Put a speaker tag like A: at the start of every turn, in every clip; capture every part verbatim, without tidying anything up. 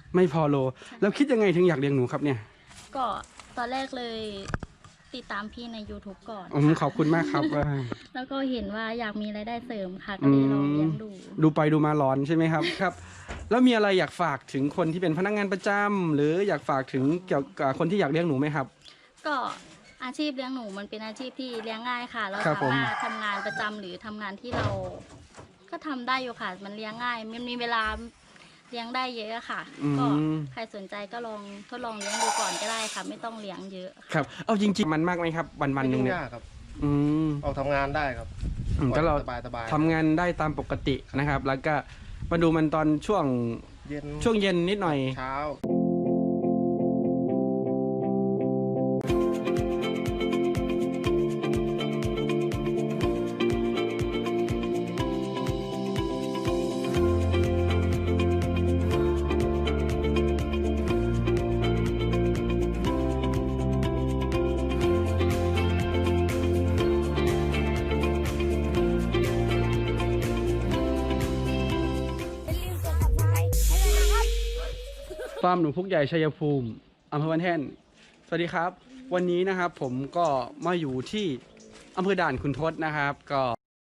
A: ไม่พอโลแล้วคิดยังไงถึงอยากเลี้ยงหนูครับเนี่ย
B: ก็ตอนแรกเลยติดตามพี่ใน ยูทูบ ก่อน
A: อืมขอบคุณมากครับ
B: แล้วก็เห็นว่าอยากมีรายได้เสริมค่ะก็เลยลองเลี้ยงดู
A: ดูไปดูมาร้อนใช่ไหมครับครับแล้วมีอะไรอยากฝากถึงคนที่เป็นพนักงานประจำหรืออยากฝากถึงเกี่ยวกับคนที่อยากเลี้ยงหนูไหมครับ
B: ก็อาชีพเลี้ยงหนูมันเป็นอาชีพที่เลี้ยงง่ายค่ะเราสามารถทำงานประจำหรือทำงานที่เราก็ทำได้อยู่ค่ะมันเลี้ยงง่ายมันมีเวลาเลี้ยงได้เยอะค่ะก็ใครสนใจก็ลองทดลองเลี้ยงดูก่อนก็ได้ค่ะไม่ต้องเลี้ยงเยอะ
A: ครับเอาจริงๆมันมากไหมครับวันวันหนึ่งเนี่ย
C: ครับ
A: อืม
C: ออกทำงานได้ครับ
A: ก็เรา
C: สบายๆ
A: ทำงานได้ตามปกตินะครับ แล้วก็มาดูมันตอนช่วง
C: เย็น
A: ช่วงเย็นนิดหน่อย
C: เช้า
A: ฟาร์มหนูพุกใหญ่ชัยภูมิอำเภอบ้านแท่นสวัสดีครับวันนี้นะครับผมก็มาอยู่ที่อำเภอด่านขุนทดนะครับก็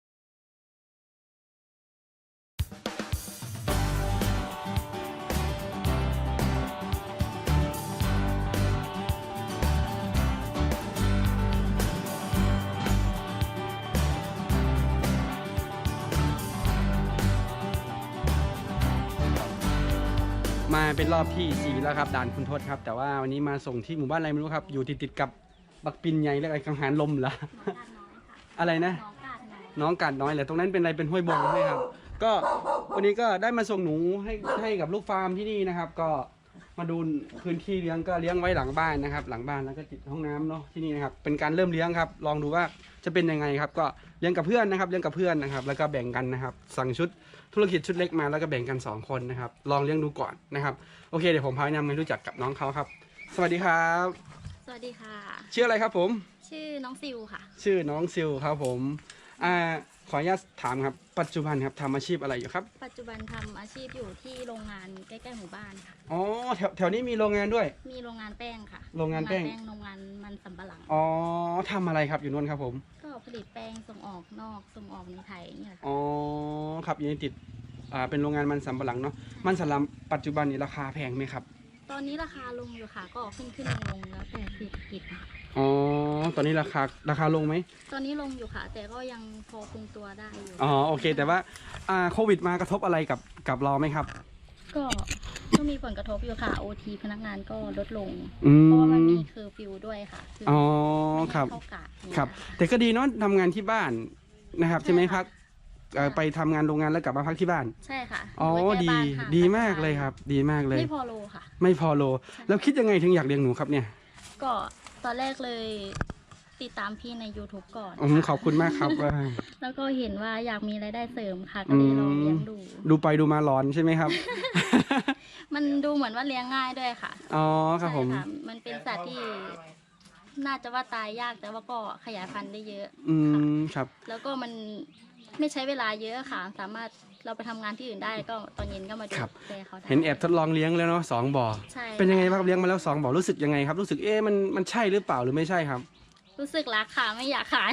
A: มาเป็นรอบที่สี่แล้วครับด่านขุนทดครับแต่ว่าวันนี้มาส่งที่หมู่บ้านอะไรไม่รู้ครับอยู่ติดติดกับบักปินใหญ่และกังหันลมเหรอ อะไรนะน้องกาดน้อยเหรอตรงนั้นเป็นอะไรเป็นห้วยบงใช่ครับก็วันนี้ก็ได้มาส่งหนูให้ให้กับลูกฟาร์มที่นี่นะครับก็มาดูพื้นที่เลี้ยงก็เลี้ยงไว้หลังบ้านนะครับหลังบ้านแล้วก็ติดห้องน้ำเนาะที่นี่นะครับเป็นการเริ่มเลี้ยงครับลองดูว่าจะเป็นยังไงครับก็เลี้ยงกับเพื่อนนะครับเลี้ยงกับเพื่อนนะครับแล้วก็แบ่งกันนะครับสั่งชุดธุรกิจชุดเล็กมาแล้วก็แบ่งกันสองคนนะครับลองเลี้ยงดูก่อนนะครับโอเคเดี๋ยวผมพาแนะนำให้รู้จักกับน้องเขาครับสวัสดีครับ
B: สวัสดีค่ะ
A: ชื่ออะไรครับผม
B: ชื่อน้องซิวค่ะ
A: ชื่อน้องซิลครับผมอ่าขออนุญาตถามครับปัจจุบันครับทำอาชีพอะไรอยู่ครับ
B: ปัจจุบันทำอาชีพอยู่ที่โรงงานใกล้ๆหมู่บ้านค่ะ
A: อ๋อแถวแถวนี้มีโรงงานด้วย
B: มีโรงงานแป้งค่ะ
A: โรงงานแป้ง
B: โรงงานมันสำปะหลัง
A: อ๋อทำอะไรครับอยู่นู่นครับผม
B: ก็ผลิตแป้งส่งออกนอกส่งออกในไทยนี่แหละ
A: อ๋อครับอยู่ในติดอ่าเป็นโรงงานมันสำปะหลังเนาะมันสำปะหลังปัจจุบันนี้ราคาแพงไหมครับ
B: ตอนนี้ราคาลงอยู่ค่ะก็ขึ้นขึ้นลงลงแล้วแต่เศรษฐกิจค่ะ
A: อ๋อตอนนี้ราคาราคาลงไหม
B: ตอนนี้ลงอยู่ค่ะแต่ก็ยังพอคงตัวได้อยู่
A: อ๋อโอเคแต่ว่าอ่าโควิดมากระทบอะไรกับกับเราไหมครับ
B: ก็ก็มีผลกระทบอยู่ค่ะ โอ ที พนักงานก็ลดลงเพราะว่ามันมีเคอร์ฟิวด้วยค่ะ
A: อ๋อครับครับแต่ก็ดีเนาะทำงานที่บ้านนะครับใช่ไหมครับไปทำงานโรงงานแล้วกลับมาพักที่บ้าน
B: ใช่ค่ะ
A: อ๋อดีดีมากเลยครับดีมากเลย
B: ไม่พอโลค่ะ
A: ไม่พอโลแล้วคิดยังไงถึงอยากเลี้ยงหนูครับเนี่ย
B: ก็ตอนแรกเลยติดตามพี่ใน ยูทูบ ก่อน
A: อืมขอบคุณมากครับ
B: แล้วก็เห็นว่าอยากมีรายได้เสริมค่ะก็เลยลองเลี้ยงดู
A: ดูไปดูมาร้อนใช่ไหมครับ
B: มันดูเหมือนว่าเลี้ยงง่ายด้วยค่ะ
A: อ๋อครับผม
B: มันเป็นสัตว์ที่น่าจะว่าตายยากแต่ว่าก็ขยายพันธุ์ได้เยอะ
A: อืมครับ
B: แล้วก็มันไม่ใช้เวลาเยอะค่ะสามารถเราไปทำงานที่อื่นได้ก็ตอนเย็นก็มาดูแลเขาได้
A: เห็นแอบทดลองเลี้ยงแล้วเนาะสองบ่อเป็นยังไงบ้างเลี้ยงมาแล้วสองบ่อรู้สึกยังไงครับรู้สึกเอ๊ะมันมันใช่หรือเปล่าหรือไม่ใช่ครับ
B: รู้สึกรักค่ะไม่อยากขาย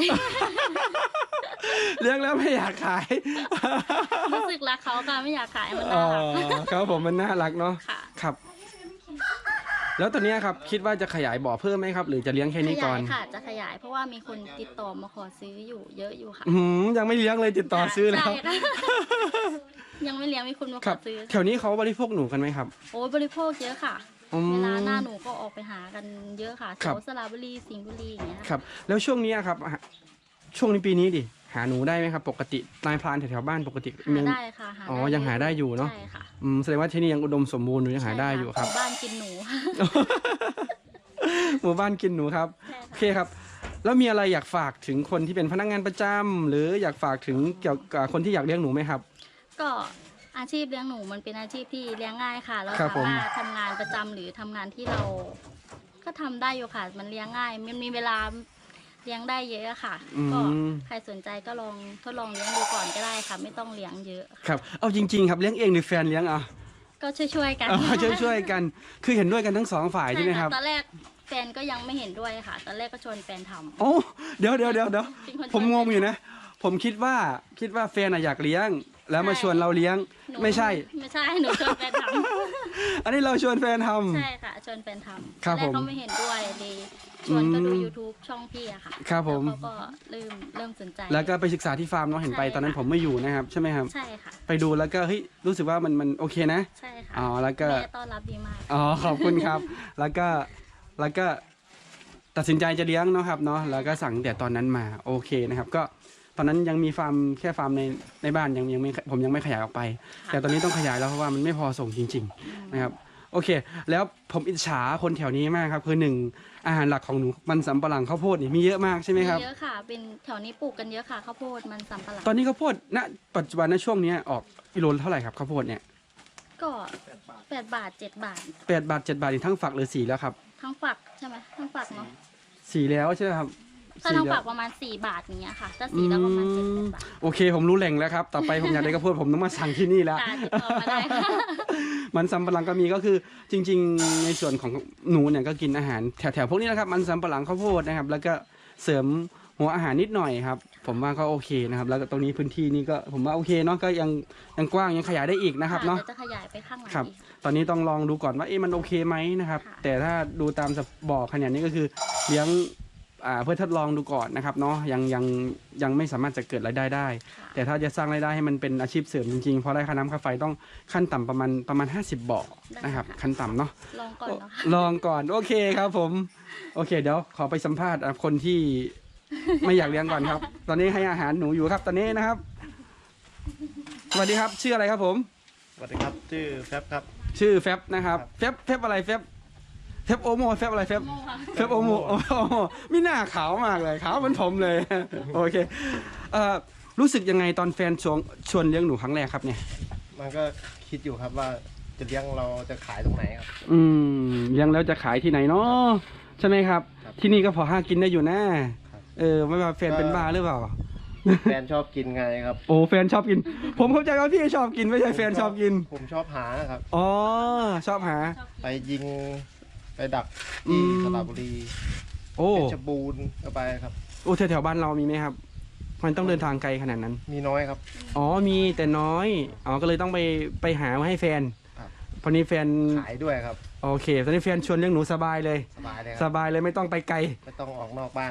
A: เลี้ยงแล้วไม่อยากขาย
B: รู้สึกรักเขาค่ะไม่อยากขายมันน่ารัก
A: ครับผมมันน่ารักเนาะครับแล้วตอนนี้ครับคิดว่าจะขยายบ่อเพิ่มไหมครับหรือจะเลี้ยงแค่นี้ก่อน
B: ขยายค่ะจะขยายเพราะว่ามีคนติดต่อมาขอซื้ออยู่เยอะอยู่ค่ะ
A: อืมยังไม่เลี้ยงเลยติดต่อซื้อแล้ว
B: ยังไม่เลี้ยงมีคนมาขอซื้อ
A: แถวนี้เขาบริโภคหนูกันไหมครับ
B: โอ้บริโภคเยอะค่ะเวลาหน้าหนูก็ออกไปหากันเยอะค่ะแถวสระบุรีสิงห์บุรีอย่างเงี้ย
A: ครับแล้วช่วงนี้ครับช่วงนี้ปีนี้ดิหาหนูได้ไหมครับปกตินายพรานแถวๆบ้านปกติ
B: หาได้ค่ะ
A: อ๋อยังหาได้อยู่เนาะ
B: ใช่ค่ะ
A: อืมแสดงว่าที่นี่ยังอุดมสมบูรณ์อยู่ยังหาได้อยู่ครับ
B: หมู่บ้านกินหนู
A: หมู่บ้านกินหนูครับโอเคครับแล้วมีอะไรอยากฝากถึงคนที่เป็นพนักงานประจำหรืออยากฝากถึงเกี่ยวกับคนที่อยากเลี้ยงหนูไหมครับ
B: ก็อาชีพเลี้ยงหนูมันเป็นอาชีพที่เลี้ยงง่ายค่ะเราสามารถทำงานประจำหรือทำงานที่เราก็ทำได้อยู่ค่ะมันเลี้ยงง่ายมันมีเวลาเลี้ยงได้เยอะค่ะก็ใครสนใจก็ลองทดลองเลี้ยงดูก่อนก็ได้ค่ะไม่ต้องเลี้ยงเยอะ
A: ครับเอาจริงๆครับเลี้ยงเองหรือแฟนเลี้ยงอ่ะ
B: ก็ช่วยๆกัน
A: อ๋อช่วยช่วยๆกัน คือเห็นด้วยกันทั้งสองฝ่ายใช่ไหมครับ
B: ตอนแรกแฟนก็ยังไม่เห็นด้วยค่ะ ตอนแรกก็ชวนแฟนทำ
A: โอ้เดี๋ยวเดี๋ยวเดี๋ยวเดี๋ยว
B: เป็นคนชวน
A: ผมงงอยู่นะ ผมคิดว่าคิดว่าแฟนอะอยากเลี้ยง แล้วมาชวนเราเลี้ยง
B: หนู
A: ไม่ใช่
B: ไม่ใช่หนูชวนแฟนท
A: อันนี้เราชวนแฟนท
B: ำใช่ค่ะชวนแฟนทำ
A: ครับ
B: ตอนแรก
A: ผม
B: เขาไม่เห็นด้วยเลยชวนก็ดู
A: อืม
B: YouTube ช่องพี่อะค่ะ
A: ครับผม
B: แล้วเขาก็เริ่มเริ่มสนใจ
A: ำแล้วก็ไปศึกษาที่ฟาร์มเนาะเห็นไป
B: ใช่
A: ตอนนั้น
B: ค่ะ
A: ผมไม่อยู่นะครับใช่ไหมครับ
B: ใช่ค่ะ
A: ไปดูแล้วก็เฮ้ยรู้สึกว่ามันมันโอเคนะ
B: ใช่ค่ะ
A: อ๋อแล้วก็
B: แม่ต้อนรับดีมาก
A: อ๋อขอบคุณครับ แล้วก็แล้วก็ตัดสินใจจะเลี้ยงเนาะครับเนาะแล้วก็สั่งแต่ตอนนั้นมาโอเคนะครับ ก็ตอนนั้นยังมีฟาร์มแค่ฟาร์มในในบ้านยังยังไม่ผมยังไม่ขยายออกไป
B: ค่ะ
A: แต่ตอนนี้ต้องขยายแล้วเพราะว่ามันไม่พอส่งจริง ๆนะครับ โอเค แล้วผมอิจฉาคนแถวนี้มากครับคือหนึ่งอาหารหลักของหนูมันสำปะหลังข้าวโพดนี่มีเยอะมากใช่ไหมครับ
B: เยอะค่ะ เป็นแถวนี้ปลูกกันเยอะค่ะข้าวโพดมันสำปะหลัง
A: ตอนนี้ข้าวโพดณปัจจุบันณช่วงเนี้ยออกกิโลละเท่าไหร่ครับข้าวโพดเนี่ย
B: ก็แปดบาทเจ็ดบาท
A: แปดบาทเจ็ดบาทนี่ทั้งฝักหรือสีแล้วครับ
B: ทั้งฝักใช่ไหมทั้งฝักเนาะ
A: สีแล้วใช่ไหมครับ
B: ถ้าทั้ง
A: สีแล้ว
B: ฝักประมาณสี่บาทอย่างเงี้ยค่ะ ถ้าสีแล้วประมาณเจ็ดแปดบาท
A: โอเค ผมรู้แหล่งแล้วครับ ต่อไปผมอยากได้ข้าวโพดผมต้องมาสั่งที่นี่แล้ว
B: ค่ะติดต่อมาได้ค่ะ
A: มันสำปะหลังก็มีก็คือจริง ๆ ในส่วนของหนูเนี่ยก็กินอาหารแถวๆพวกนี้นะครับ มันสำปะหลังข้าวโพดนะครับ แล้วก็เสริมหัวอาหารนิดหน่อยครับ ผมว่าก็โอเคนะครับ แล้วก็ตรงนี้พื้นที่นี่ก็ผมว่าโอเคเนาะก็ยังยังกว้างยังขยายได้อีกนะครับเนาะ
B: ดี๋ยวจะขยายไปข้างหลัง
A: ครับ
B: อีก
A: ตอนนี้ต้องลองดูก่อนว่าเอ๊ะมันโอเคไหมนะครับ
B: ค่ะ
A: แต่ถ้าดูตามบ่อขนาดนี้ก็คือเลี้ยงอ่าเพื่อทดลองดูก่อนนะครับเนาะยังยังยังไม่สามารถจะเกิดรายได้ได้
B: ค่ะ
A: แต่ถ้าจะสร้างรายได้ให้มันเป็นอาชีพเสริมจริงๆเพราะได้ค่าน้ำค่าไฟต้องขั้นต่ำประมาณประมาณห้าสิบบ่อนะครับขั้นต่ำเนาะ
B: ลองก่อนเนาะค่ะ
A: ลองก่อนโอเคครับผมโอเคเดี๋ยวขอไปสัมภาษณ์อ่ะคนที่ ไม่อยากเลี้ยงก่อนครับ ตอนนี้ให้อาหารหนูอยู่ครับตอนนี้นะครับสวัสดีครับชื่ออะไรครับผม
C: สวัสดีครับ ชื่อแฟบครับ
A: ชื่อแฟบนะครับ
C: ครับ
A: แฟบแฟบอะไรแฟบแฟบโอโมแฟบอะไรแฟบ
B: โม่ค่ะ
A: แฟบโอโมโอ้โหมีหน้าขาวมากเลยขาวเหมือนผมเลย โอเคเอ่อรู้สึกยังไงตอนแฟนชวนชวนเลี้ยงหนูครั้งแรกครับเนี่ย
C: มันก็คิดอยู่ครับว่าจะเลี้ยงเราจะขายตรงไหนครับ
A: อืมเลี้ยงแล้วจะขายที่ไหนเนาะใช่ไหมครับ
C: ครับ
A: ที่นี่ก็พอห้ากินได้อยู่นะครับ เออไม่ว่าแฟนเป็นบ้าหรือเปล่า
C: แฟนชอบกินไงครับ
A: โอ้แฟนชอบกิน ผมเข้าใจว่าพี่ชอบกินไม่ใช่แฟนชอบกิน
C: ผมชอบหาครับ
A: อ๋อชอบหา
C: ไปยิงไปดัก
A: อื
C: ที่
A: ม
C: สระบุรี
A: โอ้
C: เพชรบูรณ์ก็ไปครับ
A: โอ้แถวๆบ้านเรามีไหมครับ มันต้องเดินทางไกลขนาดนั้น
C: มีน้อยครับ
A: อ๋อมีแต่น้อยอ๋อก็เลยต้องไปไปหามาให้แฟน
C: ครับ
A: พอนี้แฟน
C: ขายด้วยครับ
A: โอเคตอนนี้แฟนชวนเลี้ยงหนูสบายเลย
C: สบายเลยค
A: ส
C: รับ
A: บายเลยไม่ต้องไปไกล
C: ไม่ต้องออกนอกบ้าน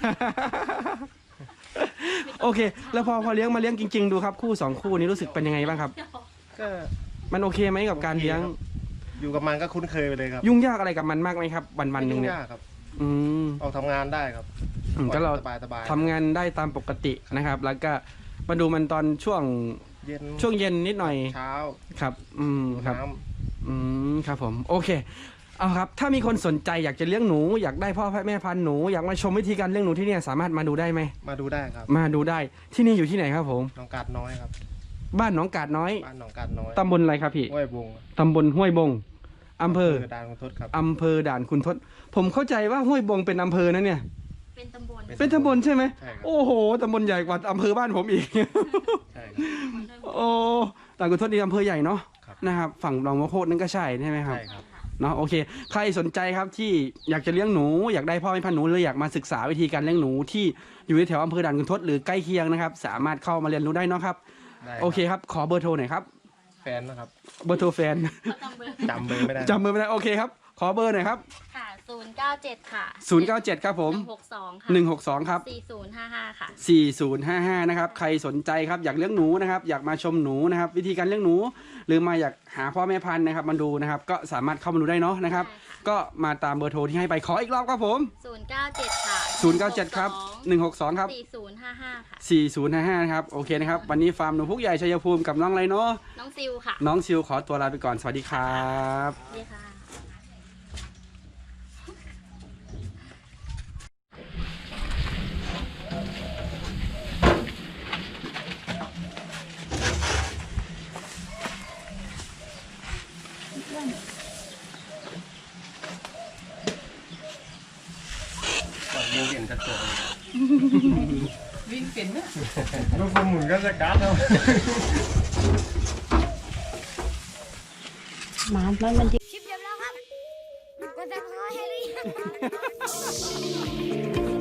A: โอเค แล้วพอพอเลี้ยงมาเลี้ยงจริงๆดูครับคู่สองคู่นี้รู้สึกเป็นยังไงบ้างครับ
C: ก็
A: มันโอเคไหมกับการเลี้ยง
C: อยู่กับมันก็คุ้นเคยไปเลยครับ
A: ยุ่งยากอะไรกับมันมากไหมครับ วันวันๆหนึ่ง
C: ไม่
A: เนี่ย
C: ยุ่ยากครับ
A: อืม
C: ออกทำงานได้ครับ
A: อืมก็เรา
C: สบายสบาย
A: ทำงานได้ตามปกตินะครับ แล้วก็มาดูมันตอนช่วง
C: เย็น
A: ช่วงเย็นนิดหน่อย
C: เช้า
A: ครับ อืมครับ
C: น้
A: อืมครับผมโอเคเอาครับ ถ้ามีคนสนใจอยากจะเลี้ยงหนูอยากได้พ่อแม่พันธุ์หนูอยากมาชมวิธีการเลี้ยงหนูที่เนี่ยสามารถมาดูได้ไหม
C: ำมาดูได้ครับ
A: มาดูได้ที่นี่อยู่ที่ไหนครับผม
C: หนองกาดน้อยครับ
A: บ้านหนองกาดน้อย
C: บ้านหนองกาดน้อย
A: ตำบลอะไรครับพี่
C: ห้วยวง
A: ตำบลห้วยบงอำเภอ
C: ด่านคุณทศครับ
A: อำเภอด่านคุณทศผมเข้าใจว่าห้วยบงเป็นอำเภอนะเนี่ย
B: เป็นตำบล
A: เป็นตำบลใช่ไหม
C: ใช่ครับ
A: โอ้โหตำบลใหญ่กว่าอำเภอบ้านผมอีก
C: ใช่ครับ
A: โอ้ด่านคุณทศนี่อำเภอใหญ่เนาะ
C: ครับ
A: นะครับฝั่งหนองมะโคดนั่นก็ใช่ใช่ไหมครับ
C: ใช่ครับ
A: เนาะโอเค ใครสนใจครับที่อยากจะเลี้ยงหนู อยากได้พ่อแม่พันธุ์หนูหรืออยากมาศึกษาวิธีการเลี้ยงหนูที่อยู่ในแถวอำเภอด่านคุณทศหรือใกล้เคียงนะครับ สามารถเข้ามาเรียนรู้ได้เนาะครับ
C: ได้
A: โอเคครับ ขอเบอร์โทรหน่อยครับ
C: แฟนนะครับ
A: เบอร์โทรแฟน
B: เขาจำเบอร์
C: จำเบอร์ไม่ได้
A: จำเบอร์ไม่ได้โอเคครับ ขอเบอร์หน่อยครับ
B: ค่ะศูนย์เก้าเจ็ดค่ะ
A: ศูนย์เก้าเจ็ดครับผม
B: หนึ่งหกสองค่ะ
A: หนึ่งหกสองครับ
B: สี่ศูนย์ห้าห้าค่ะ
A: สี่ศูนย์ห้าห้านะครับใครสนใจครับอยากเลี้ยงหนูนะครับอยากมาชมหนูนะครับวิธีการเลี้ยงหนู หรือมาอยากหาพ่อแม่พันธุ์นะครับมาดูนะครับก็สามารถเข้ามาดูได้เนาะนะครับ
B: ได้ค่ะ
A: ก็มาตามเบอร์โทรที่ให้ไปขออีกรอบครับผม
B: ศูนย์เก้าเจ็ดค่ะ
A: ศูนย์เก้าเจ็ดครับหนึ่งหกสองครับ
B: สี่ศูนย์ห้าห้าค่ะ
A: สี่ศูนย์ห้าห้านะครับโอเคนะครับวันนี้ฟาร์มหนูพุกใหญ่ชัยภูมิกับน้องอะไรเนาะ
B: น้องซิลค่ะ
A: น้องซิวขอตัวลาไปก่อนสวัสดีครับ
B: สวัสดีค่ะ
C: ยิงเปลี่ยนกระจก
D: วิ่งเป็นนะ
C: ลูกหมุนก็จะการ์ดเท่า
E: หมามันมัน
F: ชิปเรียบร้อยครับกดซับสไครต์ให้หรือยัง